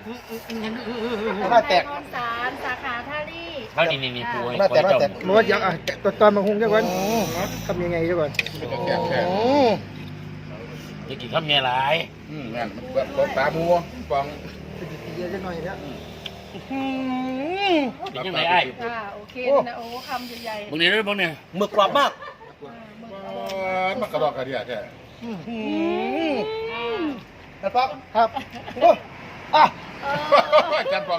น่าแตกสารสาขาท่าลี่เขานี่ปูน่าแตกรู้ว่ายังตอนมาหุงจังก่อนทำยังไงจังก่อนจะกินข้าวเมียหลายนั่นแบบตาบัวฟองเยอะจังหน่อยเนี่ยเป็นยังไงไอ้โอเคนะโอ้คำใหญ่ๆมึงเนี่ยด้วยมึงเนี่ยหมึกกรอบมากมันกระดอกกระเดียดแค่แต่ป๊อกครับอ่ะจันฟอง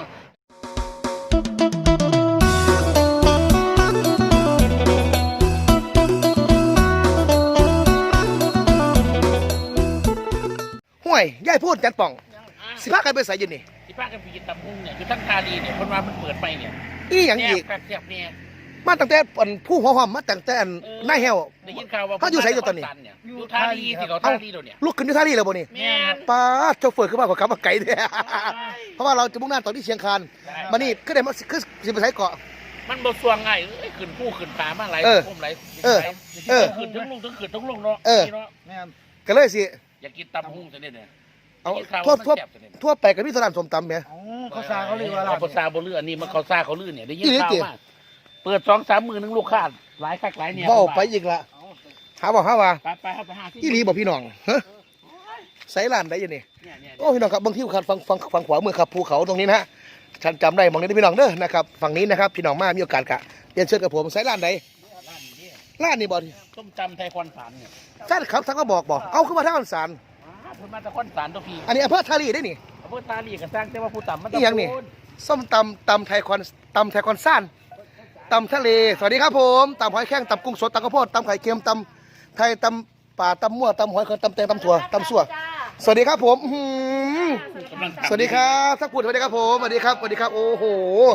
ห่วยย่ายพูดจันป่องสิพากันไปใส่ยืนนี่ที่ป้ากันไปกินตำพุงเนี่ยอยู่ทั้งทาดีเนี่ยคนมามันเปิดไปเนี่ยอีหยังอีกมาตั้งแต่ผู้หัวหอมมาตั้งแต่นายแฮวได้ยินข่าวว่าเขาอยู่ใส่อยู่ตอนนี้อยู่ท่าดีที่เขาท่าดีเนี่ยลูกขึ้นอยู่ท่าดีเลยบ่นี่ป้าโชเฟอร์ขึ้นมากว่าขับมาไกลเนี่ยเพราะว่าเราจะมุ่งหน้าต่อที่เชียงคานมานี่ก็ได้มาคือสิไปใช้เกาะมันบ่สวงไงขึ้นผู้ขึ้นปลามาไหลพุ่มไหลขึ้นทั้งลุงทั้งขึ้นทั้งลุงเนาะก็เลยสิอยากกินตำพุงซะเนี่ยเอาทั่วไปกับพี่สนามสมตำเนี่ยเขาซาเขาเลยว่าเราเขาซาบ่ลื่นอันนี้มันเขาซาเขาลื่นเนี่ยได้ยินข่าวมาเปิด2-3 มื้อนึงลูกค้าหลายคักหลายเนี่ยเว้าไปอีกละหาว่าไปหาที่อีหลีบ่พี่น้องฮะไสร้านใดอยู่นี่โอ้พี่น้องครับบางที่ครับฝั่งขวามือครับภูเขาตรงนี้นะฉันจำได้มองนี้พี่น้องเด้อนะครับฝั่งนี้นะครับพี่น้องมามีโอกาสกะเรียนเชิญกับผมไสร้านใดร้านนี้บ่ต้มจำไทยคอนสารเนี่ยแฟนครับทั้งก็บอกเอาขึ้นมาทั้งคอนสารเพิ่นมาจากคอนสารตัวพี่อันนี้อำเภอทารีได้นี่อำเภอทารีก็สร้างแต่ว่าผู้ต่ำมันนี่ยังนี่ส้มตำไทยคอนซ่านตำทะเลสวัสดีครับผมตำหอยแข้งตำกุ้งสดตำข้าวโพดตำไข่เค็มตำไทยตำป่าตำมั่วตำหอยเค็มตำแตงตำถั่วตำสั่วสวัสดีครับผมสวัสดีครับทักพูดสวัสดีครับผมสวัสดีครับโอ้โห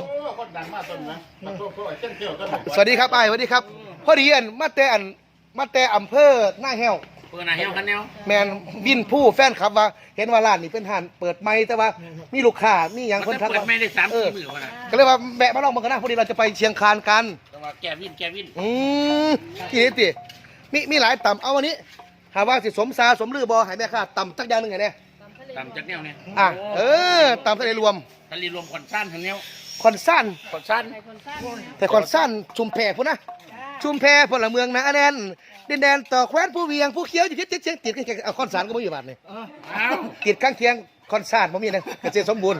สวัสดีครับไอ้สวัสดีครับพอดีมาแต่อำเภอหน้าแห้วเปิดหน้าแห้วคันแนวแมนวินผู้แฟนครับว่าเห็นว่าร้านนี้เป็นห้านเปิดไม่แต่ว่ามีลูกค้ามีอย่างคนทักว่าเปิดไม่ได้3-4 มื้อนะก็เลยว่าแบะมาลองมันกันนะพอดีเราจะไปเชียงคานกันแกวินที่นี่ติมีหลายต่ำเอาวันนี้หาว่าสิสมซาสมลือบอหายแม่ค่าต่ำจักอย่างหนึ่งไงเนี่ยต่ำจักแนวเนี่ยต่ำทะเลรวมคอนซ่านคันแนวคอนซ่านแต่คอนซ่านชุมแพพุ่นนะชุมแพพลเมืองนะแน่นดินแดนต่อแคว้นผู้เวียงผู้เขียวอยู่ที่เชียงติดกันเอาคอนซ่านก็ไม่อยู่บ้านนี่ติดข้างเคียงคอนซ่านบ่มีนะเกษตรสมบูรณ์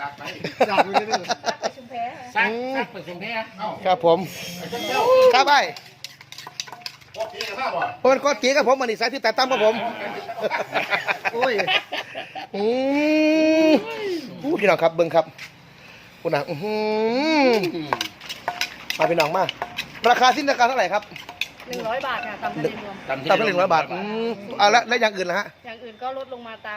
ซักไปชุมแพครับผมครับไอ้เพราะมันก็ตีกับผมมันนี่สายที่แต่ตั้มกับผมโอ้ยพี่น้องครับเบิ้งครับคุณน่ะมาพี่น้องมาราคาสิ้นราคาเท่าไหร่ครับ 100 บาทค่ะตำทะเลรวมตำทะเล100 บาทแล้วอย่างอื่นล่ะฮะอย่างอื่นก็ลดลงมาตาม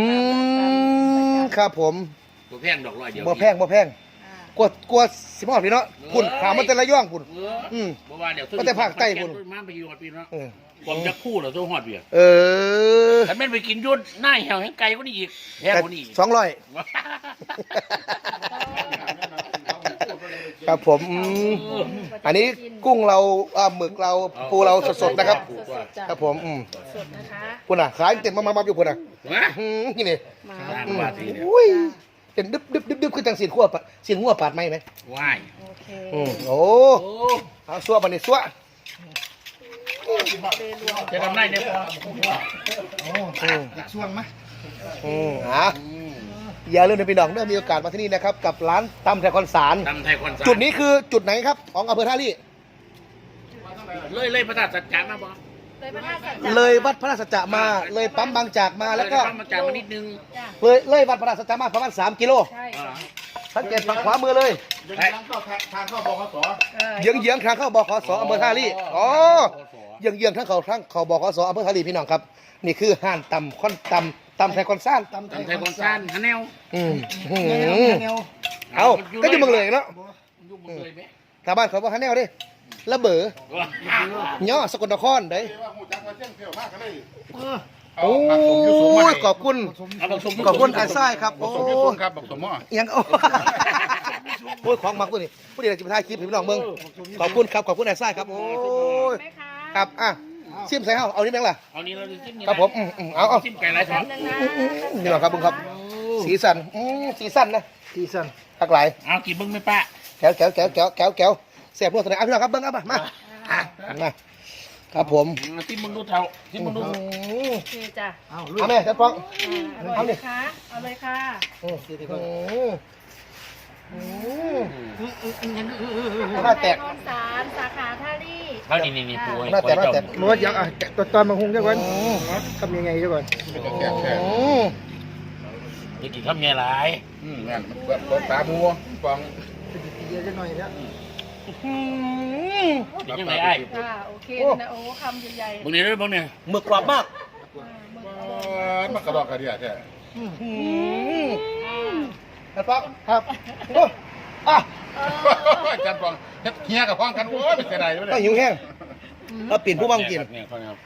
ครับผมบ่แพงดอก100เดียวบ่แพงกลัวสิมอดพี่เนาะพุ่นถามมันแต่ละย่องพุ่นบ่ว่าเดี๋ยวมันแต่ภาคใต้พุ่นมาไปอยู่ฮอดพี่เนาะผมจะคู่เหรอโซฮอดเบียแต่แม่นไปกินยุ่นหน้าแหวแห่งไก่ก็นี่อีกแพงกว่านี้อีก 200ครับผมอันนี้กุ้งเราหมึกเราปูเราสดๆนะครับครับผมสดนะคะพุ่นน่ะขายเต็มมาอยู่พุ่นน่ะนี่นี่อุ้ยเป็นดึบคือจังสีนหัวปาดไหมว้ายโอเคโอ้เอาซัวบันนี้ซัวจะทำได้เนี่ยอยากช่วงไหมอย่าลืมนะพี่น้องเมื่อมีโอกาสมาที่นี่นะครับกับร้านตำไทยคอนสารจุดนี้คือจุดไหนครับของอำเภอท่าลี่เลยพระธาตุสัจจะมาบ่เลยวัดพระราชสัจจะมาเลยปั๊มบางจากมาแล้วก็ปั๊มบางจากมานิดนึงเลยวัดพระราชสัจจะมาประมาณ3 กิโลสังเกตฝั่งขวามือเลยทางเข้าบขส. เยื้องทางเข้าบขส.อำเภอท่าลี่เยื้องทางเขาบขส.อำเภอท่าลี่พี่น้องครับนี่คือห้านตำไทยคอนซ่านตำไทยคอนซ่านฮันแนวเอาก็อยู่เมืองเลยเนาะชาวบ้านเขาบอกฮันแนวดิระเบ้อย่อสกลนครได้โอ้ยขอบคุณไอ้ไส้ครับโอ้ครับบอกสมอยังโอ้ยของมักตัวนี้ผู้เดียวจะไปถ่ายคลิปให้พี่น้องเมืองขอบคุณไอ้ไส้ครับโอ้ยครับชิมใส่เอานี่แม่งล่ะเอานี่เราชิมครับผมเอาชิมไก่ไรสองนี่หรอครับบุ้งครับสีสันสีสันนะสีสันหลากหลายเอากี่เบิ้งไม่ป้าแก้วแซ่บนวดตัวไหนพี่น้องครับเบิ้งครับมาครับผมที่มึงดูเท่าที่มึงดูโอเคจ้ะเอาแม่จัดฟองอร่อยไหมคะเอาเลยค่ะหน้าแตกคอนสารสาขาท่าลี่เอานี่ปูให้หน้าแตกหน้าแตกรู้ว่าอยากตอนมาหุงจังก่อนทำยังไงจังก่อนแก่แก่จะกินข้าวเมียหลายแม่นแบบต้นตาบัวฟองเยอะจังหน่อยแล้วเป็นยังไงไอ้ค่ะโอเคนะโอ้คำใหญ่บางเนี่ยด้วยบางเนี่ยหมึกกรอบมากมันกระดอกกระเดียแท้จัดฟองครับอ่ะจันฟองเฮียกับฟองกันโอ้ยเป็นไงได้เลยไม่หิวแห้งแล้วปิ่นผู้บังกินเนี่ยฟังครับ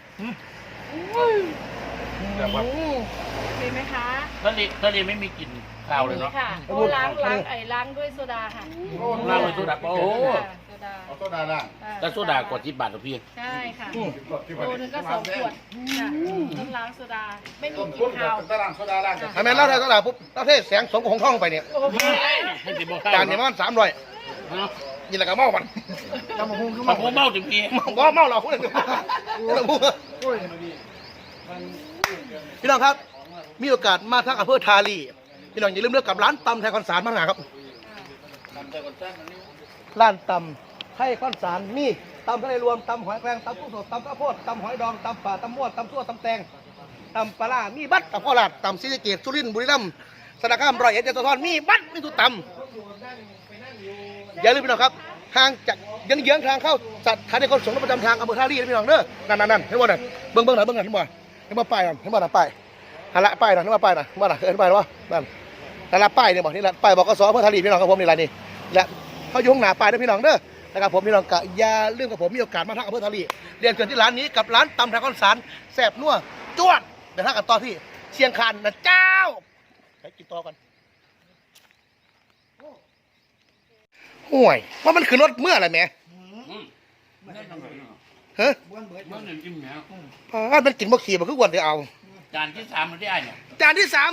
ๆโอเคไหมคะทะเลไม่มีกลิ่นข้าวเลยเนาะค่ะโอ้ล้างด้วยโซดาค่ะล้างด้วยโซดาโอ้โหโซดาเอาโซดาล่างแต่โซดากว่า10 บาทหรอพี่ใช่ค่ะที่โอ้นึงก็2 ขวดค่ะต้องล้างโซดาไม่มีต้นกพุ่ลิ่นนคาวตารางโซดาล่างทำไมเล่าได้ก็ล่ะปุ๊บเล่าเทศแสงสมของท่องไปเนี่ยโอเคให้สิบอกจานเนี่ยมัน300นี่แหละก็เมามันทำมาหุงขึ้นมามาผมเมาถึงพี่เมาเราพูดเลยพี่น้องครับมีโอกาสมาทางอำเภอทาลีพี่น้องอย่าลืมเลือกกับร้านตำไทยคอนสารมาหาครับร้านตำไทยคอนสารมีตำทะเลรวมตำหอยแครงตำกุ้งสดตำข้าวโพดตำหอยดองตำป่าตำมวดตำซั่วตำแตงตำปลาร้ามีบัตรตำข้าวหลาดตำศรีสะเกษสุรินทร์บุรีรัมย์สระบุรีร้อยเอ็ดยะโสธรมีบัตรมีทุกตำอย่าลืมพี่น้องครับห่างจากเยื้องทางเข้าสถานีขนส่งประจำทางอำเภอท่าลีนะพี่น้องเด้อนั่นเห็นบ่นั่นเบิ่งหน่อยเห็นบ่ป้ายนั่นเห็นบ่นั่นป้ายหันละป้ายนั่นเห็นบ่ป้ายนั่นเห็นบ่นั่นเห็นป้ายว่านั่นนั่นละป้ายเนี่ยบอกนี่ละป้ายบอกกสอำเภอท่าลีพี่น้องครับผมนี่ละนี่และเขาอยู่ข้างหน้าป้ายนะพี่น้องเด้อนะครับผมพี่น้องกะอย่าลืมกับผมมีโอกาสมาทางอำเภอท่าลีเรียนเชิญที่ร้านนี้กับร้านตำไทยคอนสารแซ่บนัวจวดเดี๋ยวถ้ากันต่อที่เชียงคานนะเจ้าไปกินต่อกันห่วยว่ามันคือรถเมื่อไรแม่เฮ้ยมันหนึ่งจิ้มเนี่ยมันกินบ่ขี่มันคือวันที่เอาจานที่ 3มันได้เนี่ยจานที่3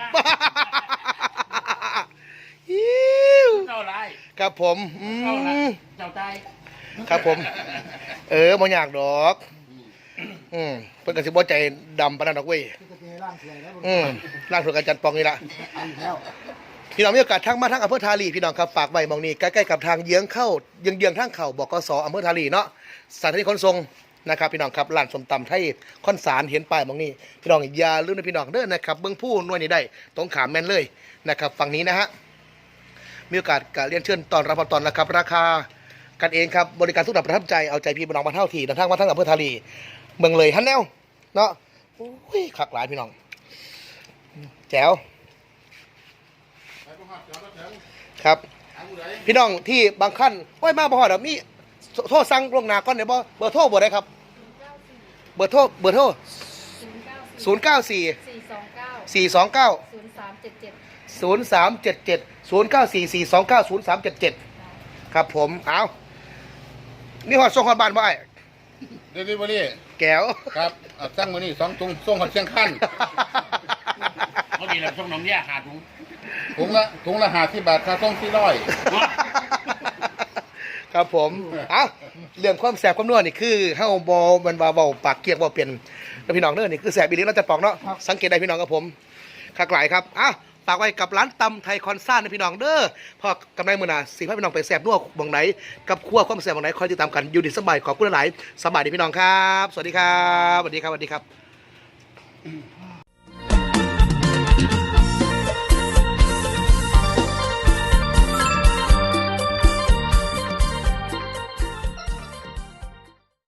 เจ้าไรครับผมเจ้าไรเจ้าใจครับผมบ่อยากดอกเพิ่นก็สิบ่ใจดำปานนั้นดอกเว้ยร่างเสียแล้วร่างถูกอาจารย์ปองนี่ล่ะพี่น้องมีโอกาสทั้งมาทั้งอำเภอทาลีพี่น้องครับฝากไว้มองนี้ใกล้ๆกับทางเยื้องทางเข้าบกสอำเภอทาลีเนาะสถานีขนส่งนะครับพี่น้องครับร้านส้มตำไทยคอนสารเห็นป้ายมองนี้พี่น้องอย่าลืมนะพี่น้องเด้อนะครับเบิ่งผู้หน่วยนี้ได้ตรงขามแม่นเลยนะครับฝั่งนี้นะฮะมีโอกาสกเรียนเชิญตอนรับตอนนะครับราคากันเองครับบริการทุกระดับประทับใจเอาใจพี่น้องมาเท่าทีเดินทางมาทั้งอำเภอทาลีเมืองเลยฮันแนวเนาะโอ้ยคักหลายพี่น้องแจ๋วครับพี่น้องที่บางขั้นโอ้ยมาบ่ฮอดดอกมีโทรสั่งล่วงหน้าก่อนได้บ่เบอร์โทรบ่ได้ครับเบอร์โทร094 429 0377 094 429 0377ครับผมเอามีฮอดส่งฮอดบ้านบ่ไอ้เดลิเวอรี่แก้วครับตั้งมือนี่2 ถุงส่งหอดเชียงคันเขาดีแล้วช่องน้องเนี่ยหาถุงถุงละ50 บาทค่าส่ง400 ครับผมเอาเรื่องความแสบความนัวนี่คือเฮาบ่มันว่าเว้าปากเกียกบ่เปลี่ยนแล้วพี่น้องเด้อนี่คือแสบอีหลีเราจะปอกเนาะสังเกตได้พี่น้องกับผมคักหลายครับฝากไว้กับร้านตำไทยคอนซ่านะพี่น้องเด้อพอกำไรมื้อหน้าสิพาพี่น้องไปแสบนัวบ่งไหนกับครัวความแสบบ่งไหนคอยติดตามกันอยู่ดีสบายขอบคุณหลายสบายดีพี่น้องครับสวัสดีครับสวัสดีครับ